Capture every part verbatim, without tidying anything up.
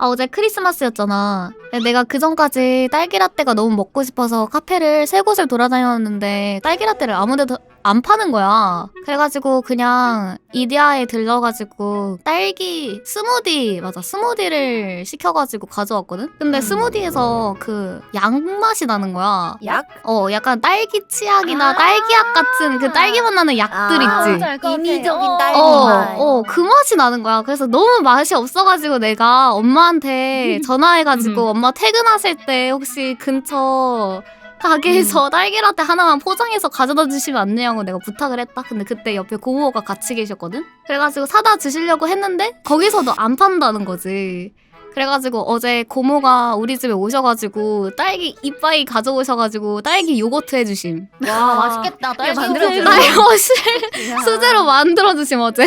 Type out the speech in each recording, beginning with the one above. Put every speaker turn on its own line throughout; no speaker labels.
아, 어제 크리스마스였잖아. 내가 그 전까지 딸기라떼가 너무 먹고 싶어서 카페를 세 곳을 돌아다녔는데 딸기라떼를 아무데도 안 파는 거야. 그래가지고 그냥 이디야에 들러가지고 딸기 스무디, 맞아, 스무디를 시켜가지고 가져왔거든? 근데
음.
스무디에서 그 약맛이 나는 거야.
약?
어, 약간 딸기 치약이나
아
딸기약 같은 그 딸기 맛 나는 약들
아,
있지?
알것 같아.
인위적인
어.
딸기
어,
맛.
어, 그 맛이 나는 거야. 그래서 너무 맛이 없어가지고 내가 엄마한테 전화해가지고 엄마 퇴근하실 때 혹시 근처 가게에서 딸기라떼 하나만 포장해서 가져다 주시면 안 되냐고 내가 부탁을 했다. 근데 그때 옆에 고모가 같이 계셨거든? 그래가지고 사다 주시려고 했는데 거기서도 안 판다는 거지. 그래가지고 어제 고모가 우리 집에 오셔가지고 딸기 이빠이 가져오셔가지고 딸기 요거트 해주심.
와 맛있겠다. 딸기
만들어주는
요거트.
딸기 수제로 만들어주심 어제.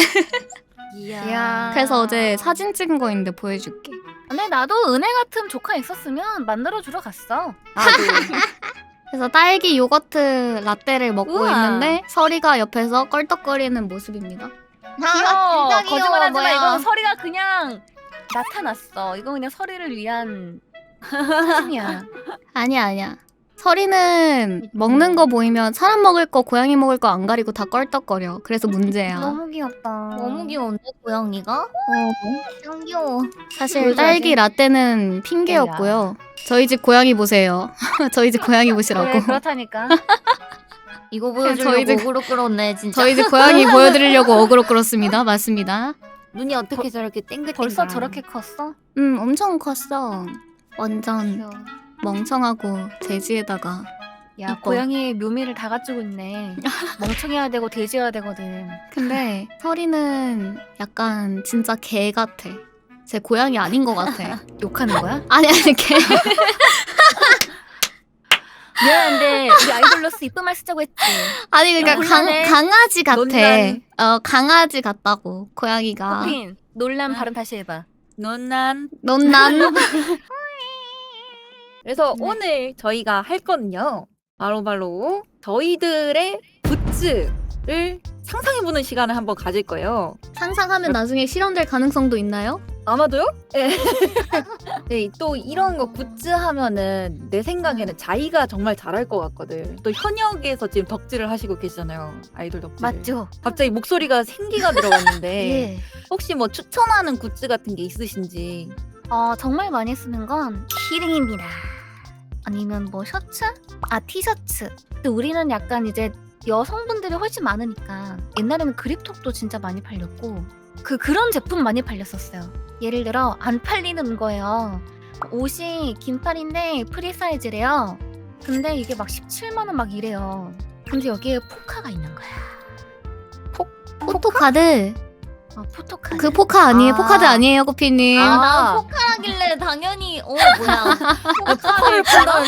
이야.
그래서 어제 사진 찍은 거 있는데 보여줄게.
근데 나도 은혜 같은 조카 있었으면 만들어 주러 갔어.
그래서 딸기 요거트 라떼를 먹고
우와.
있는데 서리가 옆에서 껄떡거리는 모습입니다.
귀여워.
진짜 귀여워,
거짓말하지 마.
뭐야.
이건 서리가 그냥 나타났어. 이건 그냥 서리를 위한 사진이야.
아니야 아니야. 서리는 먹는 거 보이면 사람 먹을 거 고양이 먹을 거 안 가리고 다 껄떡거려. 그래서 문제야.
너무 귀엽다.
너무 귀여운데 고양이가?
어,
짱 귀여워.
사실
보여줘야지.
딸기 라떼는 핑계였고요. 저희 집 고양이 보세요. 저희 집 고양이 보시라고.
그래, 그렇다니까.
이거
저희
보여주려고
집-
어그로 끌었네 진짜.
저희 집 고양이 보여드리려고 어그로 끌었습니다. 맞습니다.
눈이 어떻게 저렇게 땡글땡글.
벌써 저렇게 컸어?
음 엄청 컸어. 완전
귀여워.
멍청하고 돼지에다가
야
이뻐.
고양이의 묘미를 다 가지고 있네. 멍청해야 되고 돼지여야 되거든.
근데 서리는 약간 진짜 개 같아. 제 고양이 아닌 것 같아.
욕하는 거야?
아니 아니 개.
미안한데 우리 아이돌로서 이쁜 말 쓰자고 했지.
아니 그러니까 강,
논란해.
강아지 같아.
논란.
어 강아지 같다고 고양이가.
호핀 논란 발음 다시 해봐.
논란.
넌난
그래서
네.
오늘 저희가 할 거는요. 바로바로 저희들의 굿즈를 상상해보는 시간을 한번 가질 거예요.
상상하면 나중에 실현될 가능성도 있나요?
아마도요? 네. 네, 또 이런 거 굿즈 하면은 내 생각에는 자기가 정말 잘할 것 같거든. 또 현역에서 지금 덕질을 하시고 계시잖아요. 아이돌 덕질.
맞죠?
갑자기 목소리가 생기가 들어갔는데
예.
혹시 뭐 추천하는 굿즈 같은 게 있으신지.
어 정말 많이 쓰는 건 키링입니다. 아니면 뭐 셔츠? 아 티셔츠. 근데 우리는 약간 이제 여성분들이 훨씬 많으니까 옛날에는 그립톡도 진짜 많이 팔렸고 그 그런 제품 많이 팔렸었어요. 예를 들어 안 팔리는 거예요. 옷이 긴팔인데 프리 사이즈래요. 근데 이게 막 십칠만 원 막 이래요. 근데 여기에 포카가 있는 거야.
포토카드.
아 포토카.
그 포카 아니에요?
아.
포카드 아니에요, 코피님?
아.
난 포카라길래 당연히 어 뭐야
포카를 팔아.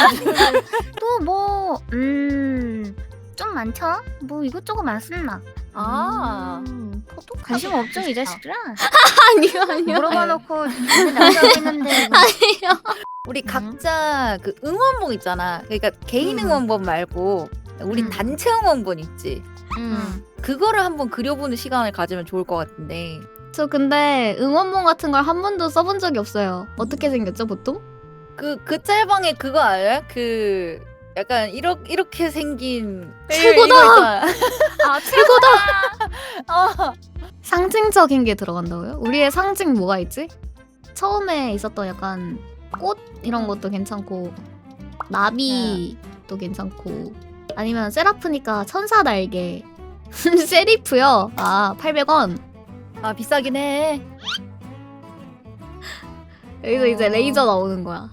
또뭐음좀 많죠? 뭐 이것저것 많습니다.
아.
음, 관심 없죠 이 자식들아?
아니요, 아니요.
물어봐 놓고 남자고 있는데 뭐.
우리
음.
각자 그 응원봉 있잖아. 그러니까 개인
음.
응원봉 말고 우리
음.
단체 응원봉 있지.
음.
그거를 한번 그려보는 시간을 가지면 좋을 것 같은데.
저 근데 응원봉 같은 걸 한 번도 써본 적이 없어요. 어떻게 생겼죠, 보통?
그, 그 짤방에 그거 알아요? 그, 약간, 이렇게, 이렇게 생긴.
최고다!
이거 있잖아.
아 최고다.
어.
상징적인 게 들어간다고요? 우리의 상징 뭐가 있지? 처음에 있었던 약간 꽃 이런 것도 괜찮고 나비도 괜찮고 아니면 세라프니까 천사 날개 세리프요? 아 팔백 원
아, 비싸긴 해.
여기서 이제
어.
레이저 나오는 거야.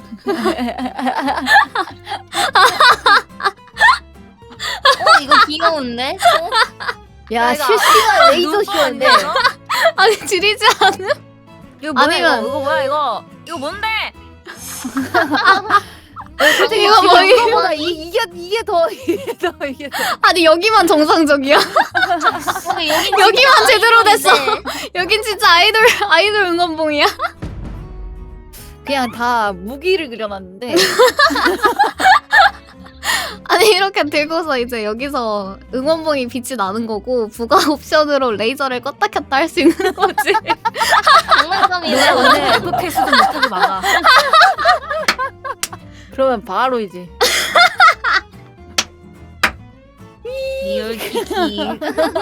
어 이거 귀여운데? 어?
야,
내가-
실시간 레이저
눈
쇼인데.
보는데, 이거?
아니 지리지 않음?
이거 뭐야
아니면-
이거? 이거 뭐야 이거? 이거 뭔데?
솔직히
이거
지금
뭐, 이거-
이거보다 이, 이게, 이게 더, 이게 더, 이게 더.
아니 여기만 정상적이야.
근데 여기
여기만 제대로 됐어.
아이돌인데.
여긴 진짜 아이돌 아이돌 응원봉이야.
그냥 다 무기를 그려놨는데.
아니 이렇게 들고서 이제 여기서 응원봉이 빛이 나는 거고 부가 옵션으로 레이저를 껐다 켰다 할 수 있는 거지.
장난감이네.
오늘
로테스도 못하게 막아.
그러면 바로 이제
리얼 키키.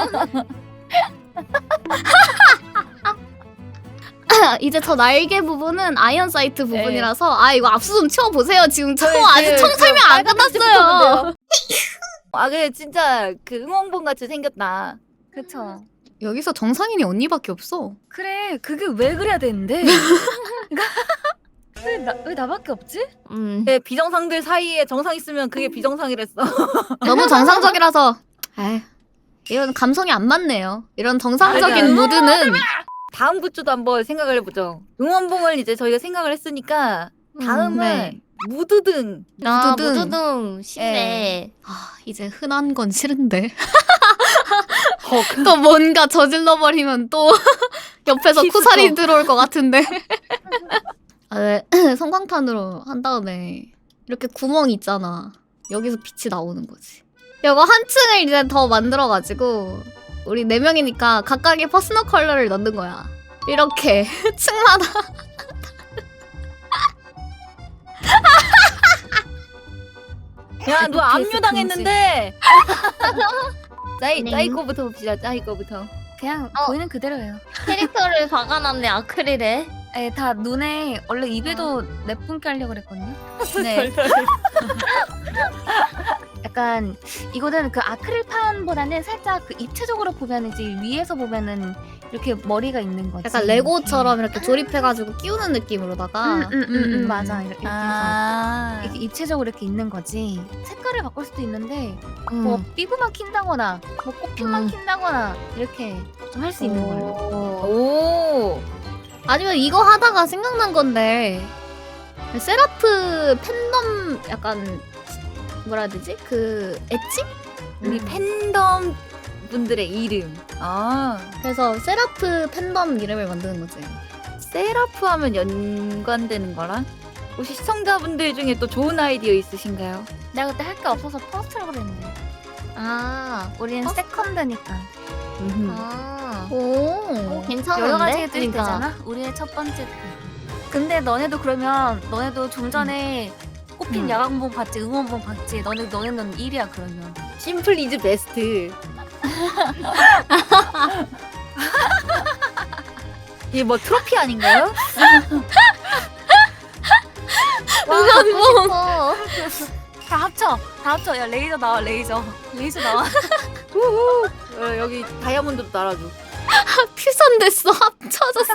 이제 저 날개 부분은 아이언 사이트 부분이라서 아 이거 압수 좀 치워보세요. 지금 저 아직 청 설명 안 끝났어요.
아 그래 진짜 그 응원봉 같이 생겼다.
그쵸.
여기서 정상인이 언니밖에 없어.
그래 그게 왜 그래야 되는데? 왜, 나, 왜 나밖에 없지?
음.
네, 비정상들 사이에 정상 있으면 그게 비정상이랬어.
너무 정상적이라서 에이, 이런 감성이 안 맞네요. 이런 정상적인
맞아.
무드는
다음 굿즈도 한번 생각을 해보죠. 응원봉을 이제 저희가 생각을 했으니까 다음은
네.
무드등.
아
무드등.
무드등 쉽네.
아 이제 흔한 건 싫은데 또 뭔가 저질러 버리면 또 옆에서
키스터.
쿠사리 들어올 것 같은데. 아, 네. 성광탄으로 한 다음에 이렇게 구멍 있잖아. 여기서 빛이 나오는 거지. 이거 한 층을 이제 더 만들어가지고 우리 네 명이니까 각각의 퍼스널 컬러를 넣는 거야. 이렇게 층마다.
야, 너
에피에스
압류당했는데. 짜이
네.
짜이 거부터 봅시다. 짜이 거부터.
그냥
어.
보이는 그대로예요.
캐릭터를 박아놨네 아크릴에.
에, 다 눈에 원래 입에도 내뿜게 하려고 그랬거든요.
네.
약간 이거는 그 아크릴판보다는 살짝 그 입체적으로 보면 이제 위에서 보면은 이렇게 머리가 있는 거지.
약간 레고처럼 이렇게 조립해가지고 끼우는 느낌으로다가.
음, 음, 음, 음, 맞아. 이렇게,
아.
이렇게 입체적으로 이렇게 있는 거지. 색깔을 바꿀 수도 있는데
음.
뭐 삐부만 킨다거나 뭐 꽃핀만
음.
킨다거나 이렇게 좀 할 수 있는 걸로.
오.
아니면 이거 하다가 생각난 건데 세라프 팬덤 약간 뭐라 해야 되지? 그 엣지?
우리
음.
팬덤 분들의 이름. 아.
그래서 세라프 팬덤 이름을 만드는 거지.
세라프 하면 연관되는 거랑? 혹시 시청자분들 중에 또 좋은 아이디어 있으신가요?
내가 그때 할 게 없어서 퍼스트라고 그랬는데.
아.
우리는 세컨드니까.
아.
오.
오, 괜찮은데?
여러 가지 뜻이
그러니까.
되잖아. 우리의 첫 번째 뜻. 근데 너네도 그러면 너네도 좀 전에 꽃핀
음.
야광봉 봤지, 응원봉 봤지. 너네 너네는 일이야 그러면.
심플 이즈 베스트. 이게 뭐 트로피 아닌가요?
응원봉.
어.
다 합쳐, 다 합쳐. 야 레이저 나와, 레이저, 레이저 나와.
우후. 어, 여기 다이아몬드도 달아줘.
퓨전 됐어. 합쳐졌어.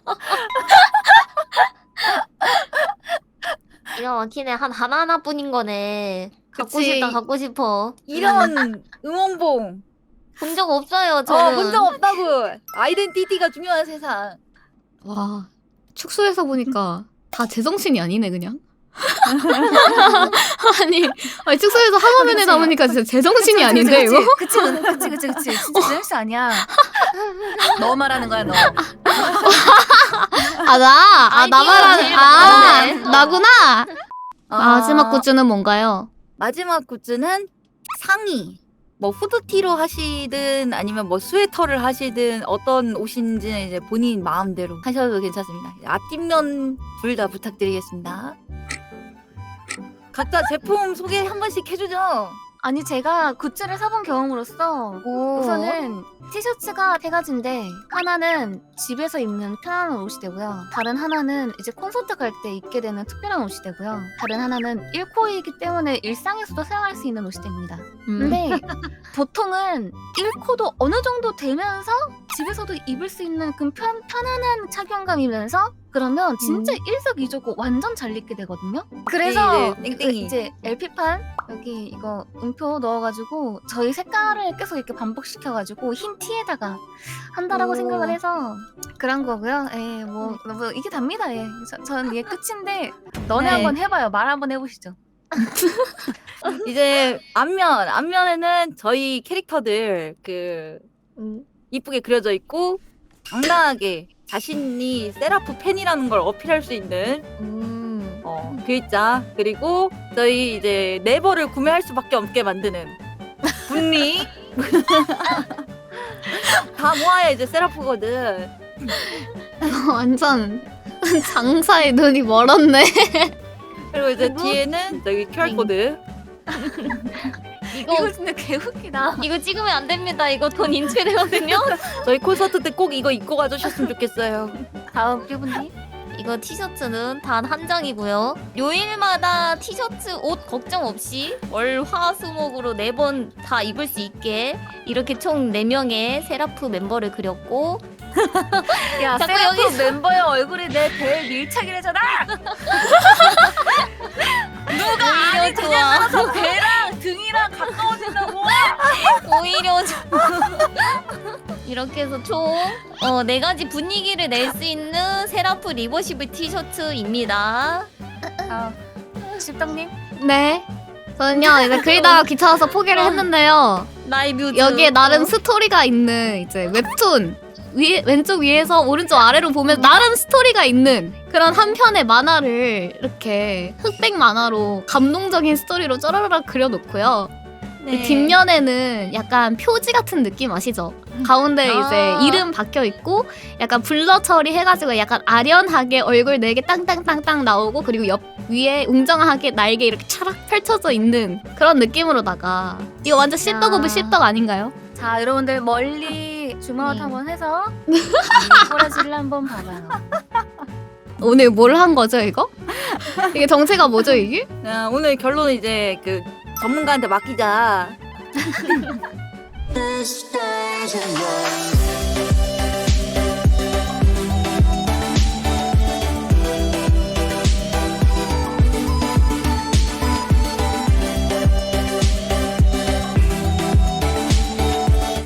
이거 막히네. 한 하나하나뿐인 거네. 갖고
그치.
싶다 갖고 싶어.
이런 응원봉.
본 적 없어요
어,
저는.
본 적 없다고. 아이덴티티가 중요한 세상.
와. 축소해서 보니까 다 제정신이 아니네 그냥. 아니, 아니 축소해서 한 화면에
그치.
남으니까 진짜 제정신이
그치,
아닌데
그치,
이거?
그치, 그치, 그치, 그치, 그치. 진짜 제정신 아니야. 너 말하는 거야, 너.
아 나, 아
아이디어
나만
제일
아
많네.
나구나.
아,
마지막 굿즈는 뭔가요?
마지막 굿즈는 상의. 뭐 후드티로 하시든 아니면 뭐 스웨터를 하시든 어떤 옷인지는 이제 본인 마음대로 하셔도 괜찮습니다. 앞뒷면 둘 다 부탁드리겠습니다. 각자 제품 소개 한 번씩 해주죠.
아니 제가 굿즈를 사본 경험으로서
오.
우선은 티셔츠가 세 가지인데 하나는 집에서 입는 편안한 옷이 되고요. 다른 하나는 이제 콘서트 갈 때 입게 되는 특별한 옷이 되고요. 다른 하나는 일코이기 때문에 일상에서도 사용할 수 있는 옷이 됩니다.
음.
근데 보통은 일코도 어느 정도 되면서 집에서도 입을 수 있는 그 편, 편안한 착용감이면서 그러면 진짜 일석이조고 완전 잘 입게 되거든요. 그래서
네, 네, 땡땡이.
이제 엘피판 여기 이거 음표 넣어가지고 저희 색깔을 계속 이렇게 반복시켜가지고 흰 티에다가 한다라고
오.
생각을 해서 그런 거고요. 예, 뭐, 뭐 이게 답니다. 예, 저, 저는 이게 끝인데 너네
네.
한번 해봐요. 말 한번 해보시죠.
이제 앞면 앞면에는 저희 캐릭터들 그
음.
이쁘게 그려져 있고 당당하게 자신이 세라프 팬이라는 걸 어필할 수 있는
음.
어, 글자 그리고 저희 이제 네버를 구매할 수밖에 없게 만드는 분리 다 모아야 이제 세라프거든.
완전 장사에 눈이 멀었네.
그리고 이제 뒤에는 저기 큐알 코드.
이거
이거 진짜 개웃기다.
이거 찍으면 안 됩니다. 이거 돈 인출되거든요.
저희 콘서트 때 꼭 이거 입고 가주셨으면 좋겠어요.
다음 큐브님.
이거 티셔츠는 단 한 장이고요. 요일마다 티셔츠 옷 걱정 없이 월, 화, 수, 목으로 네 번 다 입을 수 있게 이렇게 총 네 명의 세라프 멤버를 그렸고
야,
자꾸
세라프
여기서-
멤버의 얼굴이 내 배에 밀착이래잖아.
오히려 좋아.
배랑 등이랑 가까워진다고.
오히려 좋아. 이렇게 해서 총 어, 네 가지 분위기를 낼 수 있는 세라프 리버시블 티셔츠입니다.
아, 십덕님.
네. 저는요 이제 그리다가 귀찮아서 포기를 했는데요.
나의 뮤즈.
여기에 나름
어.
스토리가 있는 이제 웹툰 위, 왼쪽 위에서 오른쪽 아래로 보면 나름 스토리가 있는 그런 한 편의 만화를 이렇게 흑백 만화로 감동적인 스토리로 쪼라라락 그려놓고요.
네.
뒷면에는 약간 표지 같은 느낌 아시죠? 가운데
아.
이제 이름 박혀 있고 약간 블러 처리해가지고 약간 아련하게 얼굴 네 개 땅땅땅땅 나오고 그리고 옆 위에 웅장하게 날개 이렇게 차락 펼쳐져 있는 그런 느낌으로다가 이거 완전 씹덕 오브
야.
씹덕 아닌가요?
자, 여러분들 멀리 줌아웃
네.
한번 해서 꼬라지를 한번 봐봐요.
오늘 뭘 한 거죠 이거? 이게 정체가 뭐죠 이게?
자, 오늘 결론은 이제 그 전문가한테 맡기자.
This stage is yours.